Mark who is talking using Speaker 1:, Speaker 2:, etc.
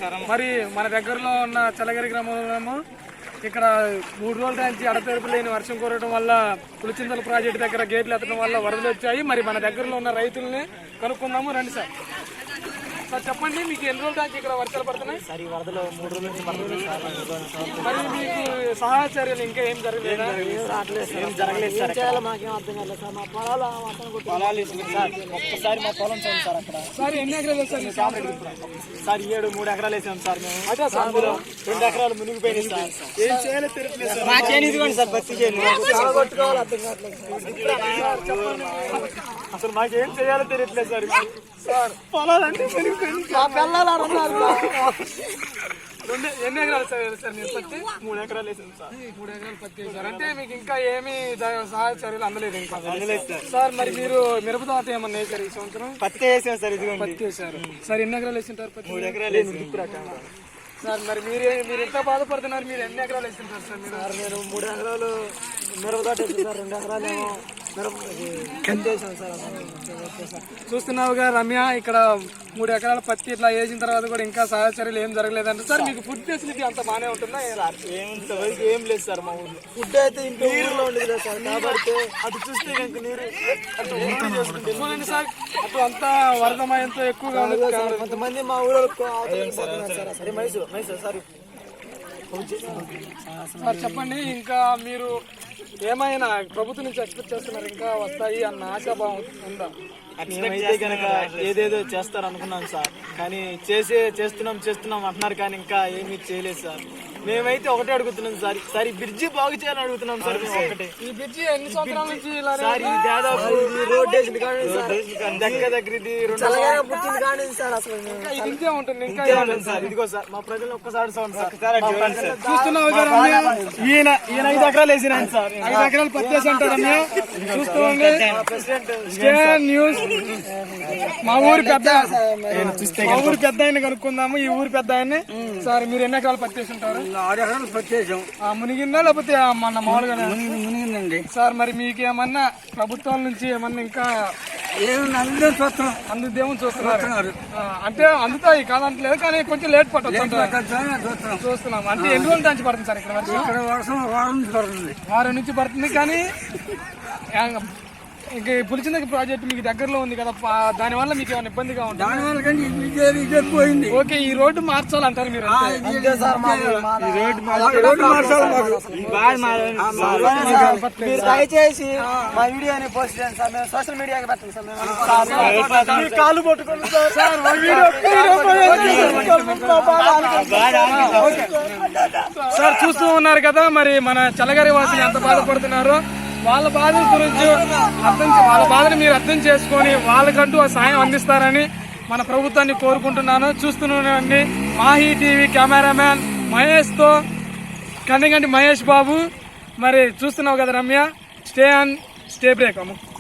Speaker 1: మరి మన దగ్గరలో ఉన్న చలగరి గ్రామంలో ఇక్కడ 3 రోజుల నుంచి అడతెరుపు లేని వర్షం కురవడం వల్ల పులిచింతల ప్రాజెక్టు దగ్గర గేట్లు ఎత్తడం వల్ల వరదలు వచ్చాయి. మరి మన దగ్గరలో ఉన్న రైతుల్ని కనుక్కుందాము రండి సార్. సార్ చెప్పండి, మీకు ఎన్ని రోజుల నుంచి ఇక్కడ వర్షాలు పడుతున్నాయి?
Speaker 2: సార్ ఈ వరదలు 3 రోజుల నుంచి పడుతుంది సార్.
Speaker 1: మరి మీకు సహాయ చర్యలు ఇంకా ఏం జరగలేదు?
Speaker 2: ఏం జరగలేదు సార్. మాకేం అర్థం కాలేదు సార్. మా పొలాలు సార్ ఒక్కసారి మా పొలం చూడండి సార్. అక్కడ
Speaker 1: సార్ ఎన్ని ఎకరాలు వేసారు
Speaker 2: సార్? 3 ఎకరాలు వేసాం సార్ మేము. అదే సార్ 2 ఎకరాలు మునిగిపోయినాయి సార్.
Speaker 1: ఏం చేయాలో తెలియట్లేదు సార్.
Speaker 2: మా చేను ఇదిగోండి సార్, పత్తి చేను.
Speaker 1: అసలు మాకేం చేయాలో తెలియట్లేదు సార్. సార్ పొలాలంటే ఎన్ని ఎకరాలు సార్ మీరు పత్తి?
Speaker 2: 3 ఎకరాలు వేసాం సార్.
Speaker 1: 3 ఎకరాలు పత్తి వేసారు అంటే మీకు ఇంకా ఏమీ సహాయ చర్యలు అందలేదు ఇంకా?
Speaker 2: అందలేదు సార్.
Speaker 1: సార్ మరి మీరు మిరప తోట ఏమన్నా వేసారు ఈ సంవత్సరం?
Speaker 2: పత్తి వేసాం సార్. ఇదిగోండి
Speaker 1: పత్తి వేసారు సార్. ఎన్ని ఎకరాలు వేసింటారు పత్తి?
Speaker 2: 3 ఎకరాలు వేసాం
Speaker 1: సార్. మరి మీరు ఎంత బాధపడుతున్నారు? మీరు ఎన్ని ఎకరాలు వేసింటారు సార్? మీరు?
Speaker 2: నేను 3 ఎకరాలు మిరప తోట వేసాను సార్. 2 ఎకరాలు ఏమో
Speaker 1: చూస్తున్నావుగా రమ్య, ఇక్కడ 3 ఎకరాల పత్తి ఇట్లా వేసిన తర్వాత కూడా ఇంకా సహాయ చర్యలు ఏం జరగలేదంటే సార్. మీకు ఫుడ్ ఫెసిలిటీ అంత బాగానే ఉంటుందా?
Speaker 2: ఏమింతవరకు ఏం లేదు సార్. మా ఊర్లో ఫుడ్ అయితే ఇంట్లో ఊర్లో ఉండదు సార్. కాబట్టి అటు చూస్తే కనుక నీరు
Speaker 1: చూడండి సార్, అటు అంతా వరదమయంతో ఎక్కువగా ఉంది.
Speaker 2: కొంతమంది మా ఊళ్ళో సరే మైసూర్ సార్.
Speaker 1: సార్ చెప్పండి, ఇంకా మీరు ఏమైనా ప్రభుత్వం నుంచి ఎక్స్పెక్ట్ చేస్తున్నారు? ఇంకా వస్తాయి అన్న ఆశాభావం ఉందా?
Speaker 2: మేమైతే కనుక ఏదేదో చేస్తారు అనుకున్నాం సార్. కానీ చేస్తున్నాం అంటున్నారు కానీ ఇంకా ఏమీ చేయలేదు సార్. మేమైతే ఒకటే అడుగుతున్నాం సార్. సార్ ఈ బ్రిడ్జి బాగు చేయాలని అడుగుతున్నాం సార్. ఒకటే
Speaker 1: ఈ బ్రిడ్జి ఎన్ని సంవత్సరాల నుంచి
Speaker 2: సార్? ఈ దాదాపు దగ్గర ఇది 2
Speaker 1: ఇంతే ఉంటుంది. ఇంకా
Speaker 2: సార్ ఇదిగో సార్ మా ప్రజలు ఒక్కసారి సార్
Speaker 1: చూస్తున్నావు
Speaker 2: ఈయన 5 ఎకరాలు వేసినాను సార్.
Speaker 1: 5 ఎకరాలు పత్తి వేసి అంటారు. చూస్తుంది న్యూస్. మా ఊరి పెద్ద ఆయన కనుక్కుందాము. ఈ ఊరి పెద్ద ఆయన్ని. సార్ మీరు ఎన్ని ఎకరాలు పత్తి వేసి ఉంటారు?
Speaker 2: 6 ఎకరాలు పత్తి వేసాం.
Speaker 1: మునిగిందా లేకపోతే మన మామూలుగా
Speaker 2: మునిగిందండి
Speaker 1: సార్. మరి మీకు ఏమన్నా ప్రభుత్వం నుంచి ఏమన్నా ఇంకా అందుదేమో చూస్తున్నారు? అంటే అందుతాయి కాదంటలేదు కానీ కొంచెం లేట్ పట్టచ్చు చూస్తున్నాం. అంటే ఎన్ని రోజుల నుంచి పడుతుంది సార్ ఇక్కడ వర్షం? వారం నుంచి పడుతుంది. కానీ ఇంక పులిచింద ప్రాజెక్ట్ మీకు దగ్గరలో ఉంది కదా, దానివల్ల మీకు ఏమైనా ఇబ్బందిగా ఉంటుంది? ఓకే, ఈ రోడ్డు మార్చాలంటారు మీరు?
Speaker 2: దయచేసి మా వీడియోని పోస్ట్ చేయండి సార్. మేము సోషల్ మీడియాకి పెట్టండి సార్. కాలు పట్టుకోండి
Speaker 1: సార్. చూస్తూ ఉన్నారు కదా మరి మన చలగరి వాసులు ఎంత బాధపడుతున్నారు. వాళ్ళ బాధల గురించి వాళ్ళ బాధను మీరు అర్థం చేసుకొని వాళ్ళకంటూ సాయం అందిస్తారని మన ప్రభుత్వాన్ని కోరుకుంటున్నాను. చూస్తున్నానండి మాహీ టీవీ కెమెరామ్యాన్ మహేష్తో కందిగంటి మహేష్ బాబు. మరి చూస్తున్నావు కదా రమ్య. స్టే బ్రేక్ అమ్మ.